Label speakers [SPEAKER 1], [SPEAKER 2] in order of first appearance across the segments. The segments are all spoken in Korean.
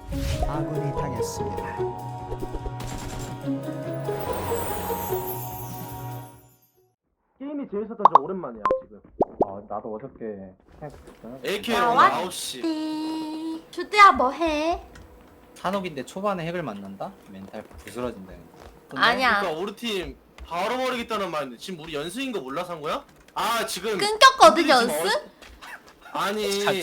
[SPEAKER 1] 아군이 당했습니다.
[SPEAKER 2] 게임이 재밌었다 저 오랜만이야 지금.
[SPEAKER 3] 나도 어저께 생각했거든.
[SPEAKER 4] AK로
[SPEAKER 5] 아,
[SPEAKER 4] 오늘
[SPEAKER 5] 왔-
[SPEAKER 4] 9시.
[SPEAKER 5] 네. 주드야 뭐해?
[SPEAKER 6] 산옥인데 초반에 핵을 만난다? 멘탈 부스러진다.
[SPEAKER 5] 아니야.
[SPEAKER 4] 그러니까 우리 팀 바로 버리겠다는 말인데 지금 우리 연승인 거 몰라서 한 거야? 아 지금
[SPEAKER 5] 끊겼거든
[SPEAKER 4] 우리 지금
[SPEAKER 5] 연습?
[SPEAKER 4] 아니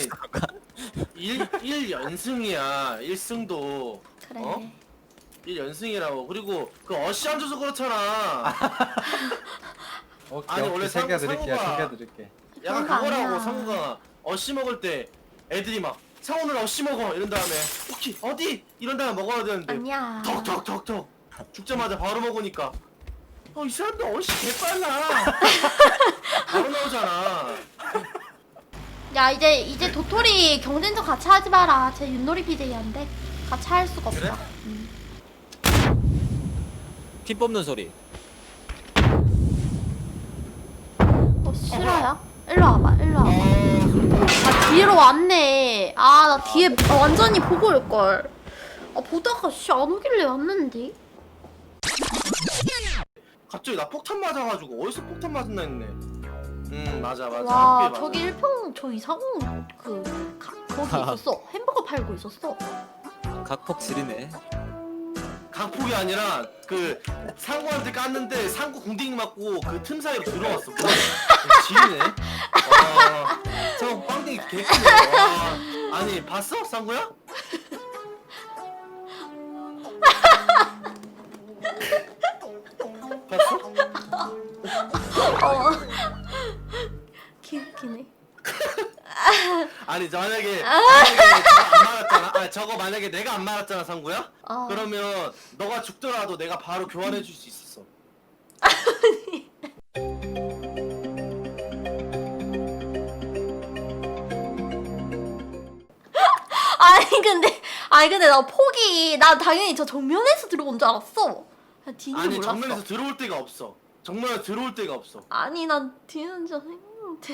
[SPEAKER 4] 1연승이야 1승도
[SPEAKER 5] 그래.
[SPEAKER 4] 어? 1연승이라고. 그리고 그 어시 안 줘서 그렇잖아.
[SPEAKER 6] 오케이,
[SPEAKER 4] 아니,
[SPEAKER 6] 오케이,
[SPEAKER 4] 원래
[SPEAKER 6] 챙겨드릴게요.
[SPEAKER 4] 상호가-
[SPEAKER 6] 챙겨드릴게.
[SPEAKER 4] 약간
[SPEAKER 5] 그런 거
[SPEAKER 4] 그거라고.
[SPEAKER 5] 아니야.
[SPEAKER 4] 상우가 어시 먹을 때 애들이 막 상우는 어시 먹어 이런 다음에 오케이 어디 이런 다음에 먹어야 되는데
[SPEAKER 5] 아니야.
[SPEAKER 4] 턱턱턱턱 죽자마자 바로 먹으니까 이 사람들 어시 개빨라. 바로 나오잖아.
[SPEAKER 5] 야 이제 도토리 경쟁전 같이 하지 마라. 제 윷놀이 BJ한데 같이 할 수가 없어.
[SPEAKER 4] 그래?
[SPEAKER 7] 피 뽑는 소리.
[SPEAKER 5] 싫어요? 일로 와봐. 일로 와봐. 아 뒤로 왔네. 아 나 뒤에 완전히 보고 올 걸. 아 보다가 안 오길래 왔는데.
[SPEAKER 4] 갑자기 나 폭탄 맞아가지고 어디서 폭탄 맞았나 했네. 맞아.
[SPEAKER 5] 와
[SPEAKER 4] 앞에 맞아.
[SPEAKER 5] 저기 일평 저 이상호 거기 있었어. 햄버거 팔고 있었어.
[SPEAKER 7] 각폭 지리네.
[SPEAKER 4] 강폭이 아니라 그 상구한테 깠는데 상구 궁딩 맞고 그 틈 사이로 들어왔어. 지리네. 와, 저 빵댕이 개꿀이야. 와, 아니 봤어 상구야? 봤어?
[SPEAKER 5] 귀엽기네.
[SPEAKER 4] 아니 만약에 저거 안 말았잖아. 저거 만약에 내가 안 말았잖아 상구야?
[SPEAKER 5] 어.
[SPEAKER 4] 그러면 너가 죽더라도 내가 바로 교환해 줄 수 있었어.
[SPEAKER 5] 아니 근데 나 폭이 나 당연히 저 정면에서 들어온 줄 알았어. 뒤는
[SPEAKER 4] 아니
[SPEAKER 5] 몰랐어.
[SPEAKER 4] 정면에서 들어올 데가 없어. 정면에 들어올 데가 없어.
[SPEAKER 5] 아니 난 뒤는 좀 생각못해.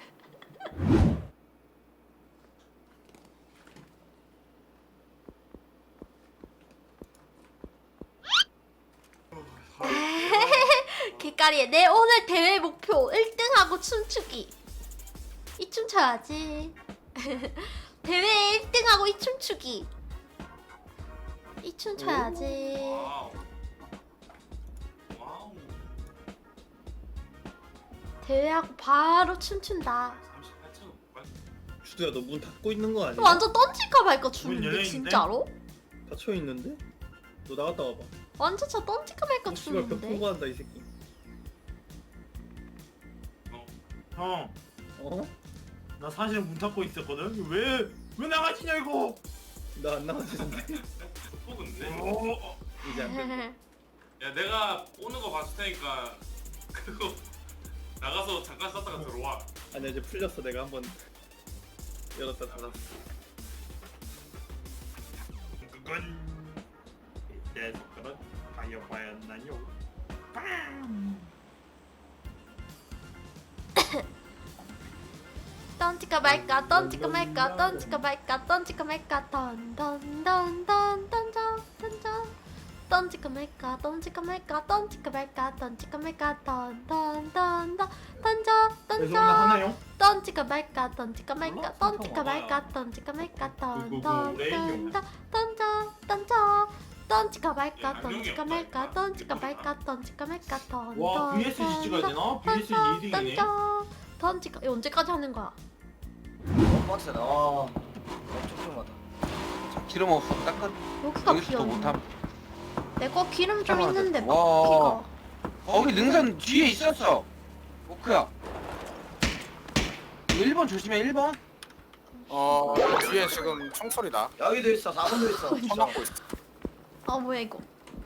[SPEAKER 5] 개까리에 내 오늘 대회 목표 1등하고 춤추기. 이 춤 춰야지. 대회 1등하고 이 춤추기. 이 춤 춰야지. 대회하고 바로 춤춘다.
[SPEAKER 2] 주두야 너 문 닫고 있는 거 아니야?
[SPEAKER 5] 완전 던질까 말까
[SPEAKER 2] 문
[SPEAKER 5] 추는데
[SPEAKER 2] 열려있는데?
[SPEAKER 5] 진짜로?
[SPEAKER 2] 닫혀 있는데? 너 나갔다 와봐.
[SPEAKER 5] 완전 저 던질까 말까
[SPEAKER 2] 씨발 벽
[SPEAKER 5] 추는데.
[SPEAKER 2] 통과한다 이 새끼.
[SPEAKER 8] 형,
[SPEAKER 2] 어?
[SPEAKER 8] 나 사실 문 닫고 있었거든. 왜 나가시냐 이거?
[SPEAKER 2] 나 안 나갔는데.
[SPEAKER 9] 뽑은데?
[SPEAKER 2] 이제 안 돼.
[SPEAKER 9] 야 내가 오는 거 봤을 테니까 그거 나가서 잠깐 썼다가 들어와.
[SPEAKER 2] 아니야 이제 풀렸어. 내가 한번 열었다 닫았어.
[SPEAKER 8] 그건 내 손가락 다이어봐야나요.
[SPEAKER 5] 던질까 말까 던질까 말까 던질까 말까 던질까 말까 던던던던 던져 던질까 말까 던질까 말까 던질까 말까 던질까 말까 던던던던 던져
[SPEAKER 8] 그래서 오늘 하나요?
[SPEAKER 5] 던질까 말까 던질까 말까 던질까 말까 던질까 말까 던던던던 던져 던질까 말까 던질까 말까 던질까 말까 던질까 말까
[SPEAKER 8] 와, VSG 찍어야 되나? VSG 2등이네.
[SPEAKER 5] 던져 던질까 이거 언제까지 하는 거야?
[SPEAKER 6] 빡세다. 촉촉하다. 기름 없어. 닦아.
[SPEAKER 5] 여기가
[SPEAKER 6] 여기서 또
[SPEAKER 5] 비었네.
[SPEAKER 6] 못함.
[SPEAKER 5] 내 거 기름 좀
[SPEAKER 6] 잠깐만.
[SPEAKER 5] 있는데 막
[SPEAKER 6] 와.
[SPEAKER 5] 피가.
[SPEAKER 6] 거기 능선 뒤에 있었어. 오크야. 1번 조심해. 1번.
[SPEAKER 10] 뒤에 지금 총소리다.
[SPEAKER 6] 여기도 있어. 4번도 있어.
[SPEAKER 10] 총 맞고 있어.
[SPEAKER 5] 아 뭐야 이거?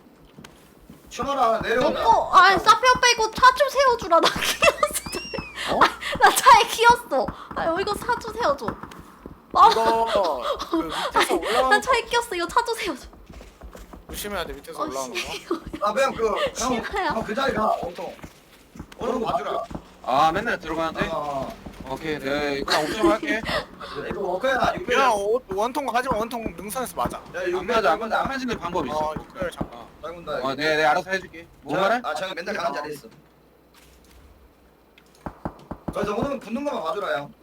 [SPEAKER 6] 쳐봐라.
[SPEAKER 5] 내
[SPEAKER 6] 내려온다.
[SPEAKER 5] 거, 사페 오빠 이거 차 좀 세워주라. 나 키웠어. 나 차에 키웠어. 이거 차 좀 세워줘.
[SPEAKER 10] 이거 그 밑에서
[SPEAKER 5] 나
[SPEAKER 10] 올라오는
[SPEAKER 5] 차에 끼웠어. 이거 차 좀 세워줘.
[SPEAKER 10] 조심해야 돼. 밑에서 올라오는 거.
[SPEAKER 6] 아 그냥
[SPEAKER 5] 싫어요.
[SPEAKER 6] 그 자리 가. 온통. 오른 거 봐주라. 아 맨날 들어가는데?
[SPEAKER 11] 오케이 내가 일단 옵션 할게.
[SPEAKER 12] 이거 워커야
[SPEAKER 10] 야
[SPEAKER 12] 육배야.
[SPEAKER 10] 원통 하지마. 원통 능선에서 맞아.
[SPEAKER 12] 야
[SPEAKER 11] 안 맞아 안 맞아 안 맞는 방법이 있어.
[SPEAKER 10] 육배를 잠깐.
[SPEAKER 12] 빨군다.
[SPEAKER 11] 네 알아서 해줄게. 뭐 말해?
[SPEAKER 12] 아 제가 맨날 가는 자리 있어. 그래서 오늘 붙는 거만 봐주라 형.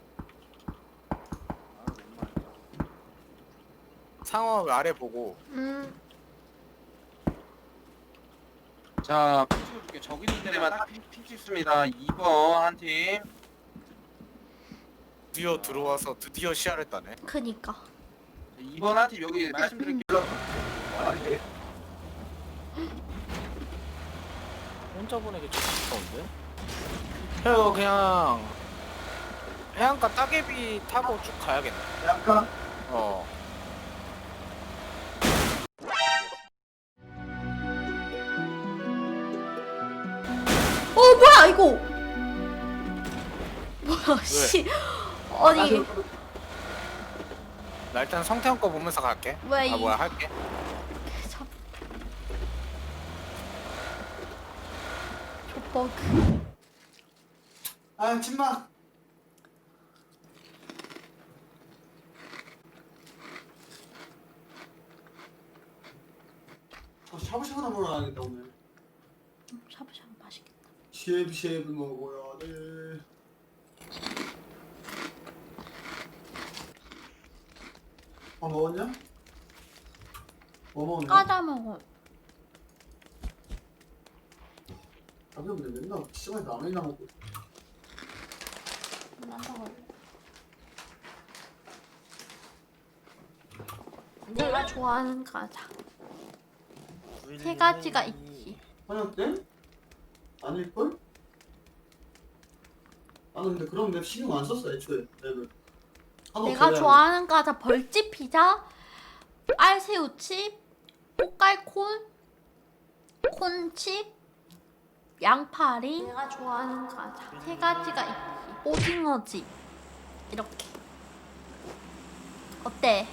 [SPEAKER 10] 상어 아래 보고.
[SPEAKER 11] 자 핀 찍어줄게. 저기 있는 데만 핀 찍습니다. 2번 한 팀.
[SPEAKER 10] 드디어 들어와서 드디어 시야를 따네.
[SPEAKER 5] 그니까
[SPEAKER 11] 2번 한 팀 여기 말씀드릴게요.
[SPEAKER 10] 혼자 보내기 좀 무서운데? 형 그냥 해안가 따개비 타고 쭉 가야겠네.
[SPEAKER 12] 약간
[SPEAKER 10] 어.
[SPEAKER 5] 뭐야 이거 뭐야 씨 아니
[SPEAKER 10] 나 일단 성태형 거 보면서 갈게.
[SPEAKER 5] 왜
[SPEAKER 10] 아
[SPEAKER 5] 이-
[SPEAKER 10] 뭐야 할게.
[SPEAKER 5] 저 버그
[SPEAKER 12] 아 침마. 샤브샤브나 먹으러 가야겠다 오늘.
[SPEAKER 5] 샤브샤브 맛있겠다.
[SPEAKER 12] 쉐브쉐브 먹어야 돼. 밥 먹었냐? 뭐 먹었냐?
[SPEAKER 5] 까자 먹어.
[SPEAKER 12] 아 근데 맨날 시간에 라면이나 먹고.
[SPEAKER 5] 내가 좋아하는 과자 세 가지가 있지.
[SPEAKER 12] 화장 때? 아닐걸? 나는 근데 그런 맵 신경 안 썼어 애초에 맵을.
[SPEAKER 5] 내가 좋아하는 과자 벌집 피자, 알새우칩, 꽃갈콘, 콘칩, 양파링. 내가 좋아하는 과자 세 가지가 있지. 오징어집 이렇게. 어때?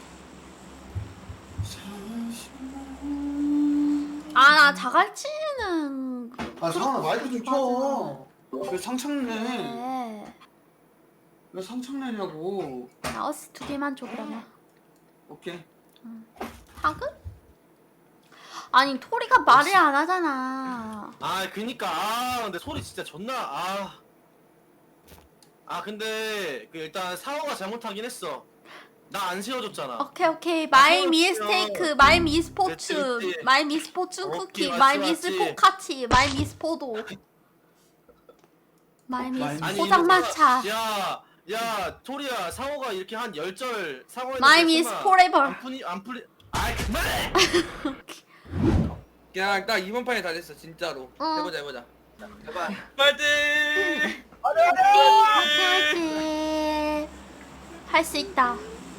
[SPEAKER 5] 아 나 자갈치는
[SPEAKER 12] 아 상아 마이크 좀 켜. 왜 상창내?
[SPEAKER 5] 그래.
[SPEAKER 12] 왜 상창내냐고.
[SPEAKER 5] 나 어스 2개만 줘 그러면.
[SPEAKER 12] 오케이.
[SPEAKER 5] 하그? 아니 토리가 말을 안 하잖아.
[SPEAKER 4] 아 그니까 근데 소리 진짜 존나 근데 그 일단 상어가 잘못하긴 했어. 나 안 세워줬잖아.
[SPEAKER 5] 오케이 마이 미스테이크 마이 미스포츠
[SPEAKER 4] 그치.
[SPEAKER 5] 마이 미스포츠
[SPEAKER 4] 오케이,
[SPEAKER 5] 쿠키
[SPEAKER 4] 맞지,
[SPEAKER 5] 마이
[SPEAKER 4] 맞지.
[SPEAKER 5] 미스포카치 마이 미스포도 마이 미스
[SPEAKER 4] 아니,
[SPEAKER 5] 포장마차
[SPEAKER 4] 야 토리야 상어가 이렇게 한 10절 상어에
[SPEAKER 5] 마이 미스 포레버.
[SPEAKER 4] 안 풀리 아이 그만해.
[SPEAKER 11] 그냥 딱 이번 판에 다 됐어 진짜로.
[SPEAKER 5] 응.
[SPEAKER 11] 해보자.
[SPEAKER 12] 제발.
[SPEAKER 4] 파이팅.
[SPEAKER 5] 오케이 할 수 있다.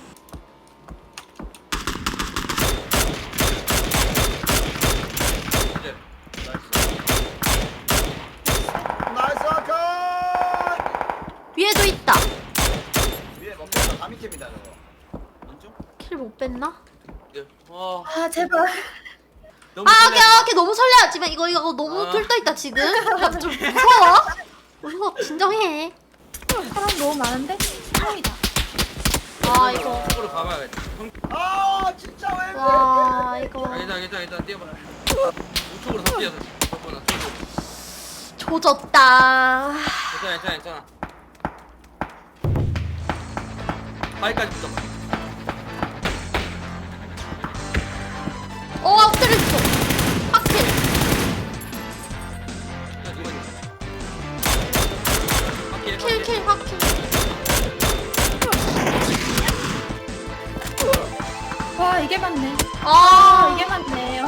[SPEAKER 12] 나이스 아카.
[SPEAKER 5] 위에도 있다.
[SPEAKER 12] 위에 먹겠다. 다미캠이다 저거.
[SPEAKER 5] 킬 못 뺐나?
[SPEAKER 11] 아
[SPEAKER 5] 제발.
[SPEAKER 4] 너무
[SPEAKER 5] 오케이 너무 설레하지만 이거 너무 들떠있다 지금. 나 좀 무서워. 진정해. 사람 너무 많은데? 사람이다. 아 이거.
[SPEAKER 11] 쪽으로 가봐야겠다.
[SPEAKER 12] 아 진짜 왜?
[SPEAKER 5] 와 이거
[SPEAKER 11] 괜찮아 뛰어봐. 우측으로 다 뛰어서. 저거나 쪽으로.
[SPEAKER 5] 조졌다.
[SPEAKER 11] 괜찮아. 바위까지 붙어봐.
[SPEAKER 5] 엎드렸어. 확킬. 킬 확킬.
[SPEAKER 13] 와 이게 맞네. 이게 맞네.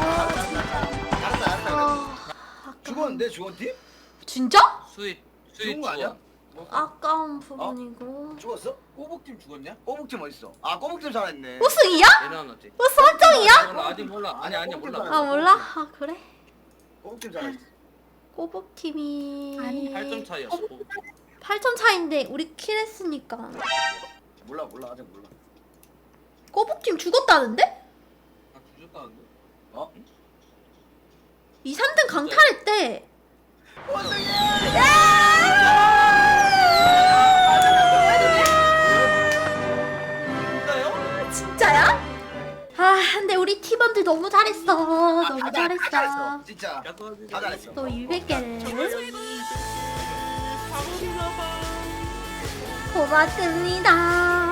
[SPEAKER 12] 죽었는데 죽었디?
[SPEAKER 5] 진짜?
[SPEAKER 11] 수익
[SPEAKER 12] 죽은 거 아니야?
[SPEAKER 5] 아까운 부분이고.
[SPEAKER 12] 죽었어?
[SPEAKER 11] 꼬북팀 죽었냐?
[SPEAKER 12] 꼬북팀 어딨어? 아 꼬북팀 살아있네.
[SPEAKER 5] 우승이야?
[SPEAKER 11] 얘는 어때?
[SPEAKER 5] 우승 확정이야?
[SPEAKER 11] 몰라 아직 몰라. 아니야 몰라.
[SPEAKER 5] 아 몰라? 아 그래?
[SPEAKER 12] 꼬북팀 살아있어.
[SPEAKER 5] 꼬북팀이
[SPEAKER 13] 아니,
[SPEAKER 11] 8점 차이였어.
[SPEAKER 5] 8점 차인데 우리 킬했으니까.
[SPEAKER 12] 몰라 아직 몰라.
[SPEAKER 5] 꼬북팀 죽었다는데?
[SPEAKER 11] 아 죽었다는데?
[SPEAKER 12] 어?
[SPEAKER 5] 2, 3등 강탈했대.
[SPEAKER 12] 원숭이!
[SPEAKER 5] 우리 팀원들 너무 잘했어. 너무 잘했어.
[SPEAKER 11] 진짜.
[SPEAKER 7] 다 잘했어.
[SPEAKER 5] 또 200개를. 고맙습니다.